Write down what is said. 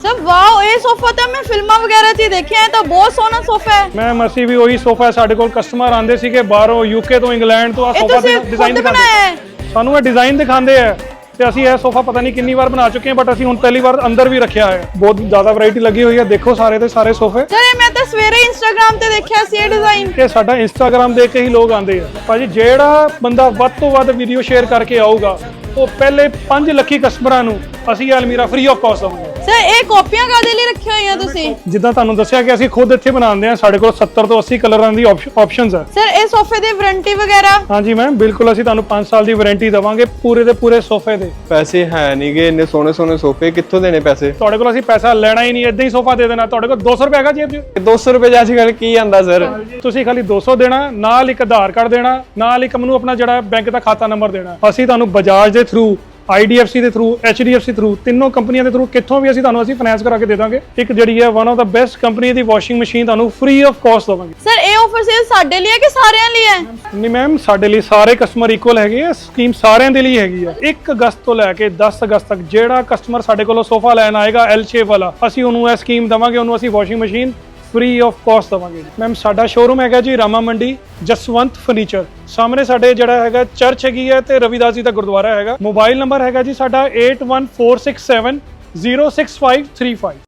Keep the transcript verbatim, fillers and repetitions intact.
Sir wow, ਇਹ sofa ਤਾਂ ਮੈਂ ਫਿਲਮਾਂ ਵਗੈਰਾ 'ਚ ਹੀ ਦੇਖਿਆ ਹੈ, ਤਾਂ ਬਹੁਤ ਸੋਹਣਾ ਸੋਫਾ ਹੈ। ਮੈਮ ਅਸੀਂ ਵੀ ਉਹੀ ਸੋਫਾ ਸਾਡੇ ਕੋਲ ਕਸਟਮਰ ਆਉਂਦੇ ਸੀਗੇ ਬਾਹਰੋਂ, ਯੂਕੇ ਤੋਂ, ਇੰਗਲੈਂਡ ਤੋਂ। ਆ ਇਹ ਸੋਫਾ ਤੁਸੀਂ ਡਿਜ਼ਾਈਨ ਖੁਦ ਬਣਾਇਆ ਹੈ? ਸਾਨੂੰ ਇਹ ਡਿਜ਼ਾਈਨ ਦਿਖਾਉਂਦੇ ਆ ਤੇ ਅਸੀਂ ਇਹ ਸੋਫਾ ਪਤਾ ਨਹੀਂ ਕਿੰਨੀ ਵਾਰ ਬਣਾ ਚੁੱਕੇ ਹਾਂ, ਬਟ ਅਸੀਂ ਹੁਣ ਪਹਿਲੀ ਵਾਰ ਅੰਦਰ ਵੀ ਰੱਖਿਆ ਹੈ। ਬਹੁਤ ਜ਼ਿਆਦਾ ਵੈਰਾਈਟੀ ਲੱਗੀ ਹੋਈ ਹੈ, ਦੇਖੋ ਸਾਰੇ ਦੇ ਸਾਰੇ ਸੋਫੇ। ਸਰ ਇਹ ਮੈਂ ਤਾਂ ਸਵੇਰੇ ਇੰਸਟਾਗ੍ਰam ਤੇ ਦੇਖਿਆ ਸੀ ਇਹ ਡਿਜ਼ਾਈਨ। ਇਹ ਸਾਡਾ ਇੰਸਟਾਗ੍ਰam ਦੇਖ ਕੇ ਹੀ ਲੋਕ ਆਉਂਦੇ ਆ ਭਾਜੀ। ਜਿਹੜਾ ਬੰਦਾ ਵੱਧ ਤੋਂ ਵੱਧ ਵੀਡੀਓ ਸ਼ੇਅਰ ਕਰਕੇ ਆਊਗਾ, ਉਹ ਪਹਿਲੇ ਪੰਜ ਲੱਖੀ ਕਸਟਮਰਾਂ ਨੂੰ ਅਸੀਂ ਅਲਮੀਰਾ ਫ੍ਰੀ ਆਫ ਕਾਸਟ ਦਵਾਂਗੇ। ਸਰ ਇਹ ਕਾਪੀਆਂ ਕਾਦੇ ਲਈ ਰੱਖੀਆਂ ਹੋਈਆਂ ਤੁਸੀਂ? ਜਿੱਦਾਂ ਤੁਹਾਨੂੰ ਦੱਸਿਆ ਕਿ ਅਸੀਂ ਖੁਦ ਇੱਥੇ ਬਣਾਉਂਦੇ ਹਾਂ, ਸਾਡੇ ਕੋਲ ਸੱਤਰ ਤੋਂ ਅੱਸੀ ਕਲਰਾਂ ਦੀ ਆਪਸ਼ਨਸ ਹੈ। ਸਰ ਇਹ ਸੋਫੇ ਦੀ ਵਾਰੰਟੀ ਵਗੈਰਾ? ਹਾਂਜੀ ਮੈਮ, ਬਿਲਕੁਲ ਅਸੀਂ ਤੁਹਾਨੂੰ ਪੰਜ ਸਾਲ ਦੀ ਵਾਰੰਟੀ ਦੇਵਾਂਗੇ ਪੂਰੇ ਦੇ ਪੂਰੇ ਸੋਫੇ ਦੇ। ਪੈਸੇ ਹੈ ਨਹੀਂਗੇ ਇੰਨੇ ਸੋਹਣੇ ਸੋਹਣੇ ਸੋਫੇ, ਕਿੱਥੋਂ ਦੇਣੇ ਪੈਸੇ? ਤੁਹਾਡੇ ਕੋਲ ਅਸੀਂ ਪੈਸਾ ਲੈਣਾ ਹੀ ਨਹੀਂ, ਇਦਾਂ ਹੀ ਸੋਫਾ ਦੇ ਦੇਣਾ। ਤੁਹਾਡੇ ਕੋਲ ਦੋ ਸੌ ਰੁਪਏ ਹੈਗਾ ਜੇਬ 'ਚ? ਦੋ ਸੌ ਰੁਪਏ ਚ ਅੱਜ ਕੱਲ੍ਹ ਕੀ ਆਂਦਾ ਸਰ? ਤੁਸੀਂ ਖਾਲੀ ਦੋ ਸੌ ਦੇਣਾ, ਨਾਲ ਇੱਕ ਆਧਾਰ ਕਾਰਡ ਦੇਣਾ, ਨਾਲ ਇੱਕ ਮੈਨੂੰ ਆਪਣਾ ਜਿਹੜਾ ਬੈਂਕ ਦਾ ਖਾਤਾ ਨੰਬਰ ਦੇਣਾ। ਅਸੀਂ ਤੁਹਾਨੂੰ ਬਜਾਜ ਦੇ through, I D F C ਦੇ through, H D F C through, ਤਿੰਨੋਂ ਕੰਪਨੀਆਂ ਦੇ ਥਰੂ ਕਿੱਥੋਂ ਵੀ ਅਸੀਂ ਤੁਹਾਨੂੰ ਅਸੀਂ ਫਾਈਨੈਂਸ ਕਰਾ ਕੇ ਦੇ ਦਾਂਗੇ। ਇੱਕ ਜਿਹੜੀ ਹੈ one of the best company ਦੀ ਵਾਸ਼ਿੰਗ ਮਸ਼ੀਨ ਤੁਹਾਨੂੰ ਫ੍ਰੀ ਆਫ ਕਾਸਟ ਦਵਾਂਗੇ। ਸਰ ਇਹ ਆਫਰ ਸਿਰਫ ਸਾਡੇ ਲਈ ਹੈ ਕਿ ਸਾਰਿਆਂ ਲਈ ਹੈ? ਨਹੀਂ ਮੈਮ, ਸਾਡੇ ਲਈ ਸਾਰੇ ਕਸਟਮਰ ਇਕੁਅਲ ਹੈਗੇ ਆ। ਸਕੀਮ ਸਾਰਿਆਂ ਦੇ ਲਈ ਹੈਗੀ ਆ। ਇੱਕ ਅਗਸਤ ਤੋਂ ਲੈ ਕੇ ਦਸ ਅਗਸਤ ਤੱਕ ਜਿਹੜਾ ਕਸਟਮਰ ਸਾਡੇ ਕੋਲੋਂ ਸੋਫਾ ਲੈਣ ਆਏਗਾ ਐਲ ਸ਼ੇਪ ਵਾਲਾ, ਅਸੀਂ ਉਹਨੂੰ ਇਹ ਸਕੀਮ ਦਵਾਂਗੇ, ਉਹਨੂੰ ਅਸੀਂ washing machine free of cost ਦਵਾਂਗੇ। ਮੈਮ ਸਾਡਾ ਸ਼ੋਰੂਮ ਹੈਗਾ ਜੀ ਰਾਮਾ ਮੰਡੀ, ਜਸਵੰਤ ਫਰਨੀਚਰ ਸਾਹਮਣੇ ਸਾਡੇ ਜਿਹੜਾ ਹੈਗਾ ਚਰਚ ਹੈਗੀ ਹੈ ਤੇ ਰਵਿਦਾਸ ਜੀ ਦਾ ਗੁਰਦੁਆਰਾ ਹੈਗਾ। ਮੋਬਾਈਲ ਨੰਬਰ ਹੈਗਾ ਜੀ ਸਾਡਾ eight one four six seven zero six five three five।